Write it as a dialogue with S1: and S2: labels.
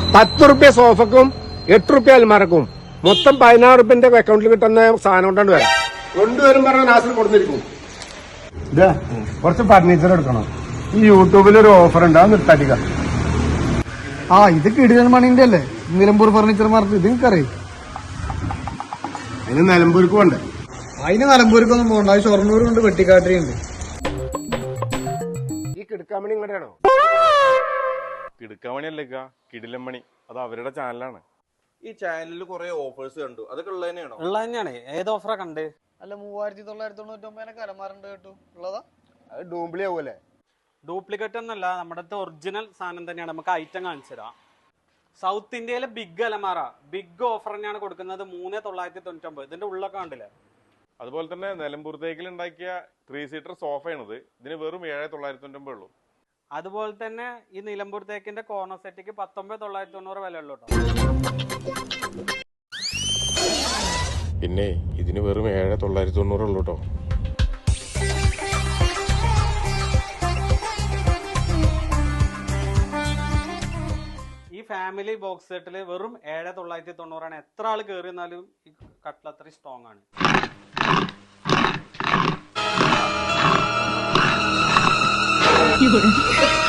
S1: 10 സോഫക്കും 8 അൽമാരക്കും മൊത്തം 16 അക്കൗണ്ടിൽ കിട്ടുന്ന സാധനം കൊണ്ടാണ് വരാം. കൊണ്ടുവരും പറഞ്ഞ നാസിൽ കൊടുത്തിരിക്കും. ഇതാ കുറച്ച് ഫർണിച്ചർ എടുക്കണം. ഈ യൂട്യൂബിൽ ഒരു ഓഫർ ഉണ്ട്, അത് നിർത്താട്ടിക്ക.
S2: ഇത് കിടിലൻ മണിന്റെ അല്ലേ, നിലമ്പൂർ ഫർണിച്ചർ മാർക്കറ്റ്. ഇത് നിനക്കറിയാം?
S1: അതിന് നിലമ്പൂർക്ക് പോണ്ടേ?
S2: അതിന് നിലമ്പൂർക്കൊന്നും പോകണ്ട, ഷൊർണൂരുണ്ട്, വെട്ടിക്കാട്ടിരിയുണ്ട്.
S1: ഈ കിടക്കാമണി ഇങ്ങോട്ടാണോ?
S3: കിടുക്കാമണിയല്ലേ കിടിലമ്മണി, അത് അവരുടെ ചാനലാണ്.
S4: ഈ ചാനലിൽ കുറെ ഓഫേഴ്സ് കണ്ടു, അതൊക്കെ ഉള്ളത് തന്നെയാണോ?
S5: ഉള്ളത് തന്നെയാണ്. ഏത് ഓഫറാ കണ്ട്?
S2: അല്ല 3999 അലമാരുണ്ട് കേട്ടു. ഉള്ളതാ?
S1: അത് ഡൂംപ്ലി ആവൂല്ലേ?
S5: ഡ്യൂപ്ലിക്കേറ്റ് ഒന്നല്ല, നമ്മുടെ ഒറിജിനൽ സാധനം തന്നെയാണ്. നമുക്ക് ഐറ്റം കാണിച്ചു തരാം. സൗത്ത് ഇന്ത്യയിലെ ബിഗ് അലമാര ബിഗ് ഓഫർ തന്നെയാണ് കൊടുക്കുന്നത്. 3999. ഇതിന്റെ ഉള്ളൊക്കെ കണ്ടില്ലേ?
S3: അതുപോലെ തന്നെ നിലമ്പൂർ തേക്കിൽ ഉണ്ടാക്കിയ 3 സീറ്റർ സോഫയാണിത്. ഇതിന് വെറും 7999 ഉള്ളൂ.
S5: അതുപോലെ തന്നെ ഈ നിലമ്പൂർ തേക്കിന്റെ കോർണർ സെറ്റിക്ക് 19990 വില ഉള്ളൂ.
S3: പിന്നെ ഇതിന് വെറും 7990 ഉള്ളൂ കേട്ടോ.
S5: ഈ ഫാമിലി ബോക്സ് സെറ്റില് വെറും 7990 എത്ര ആള് കയറി വന്നാലും ഈ കട്ടിൽ അത്രയും സ്ട്രോങ് ആണ്.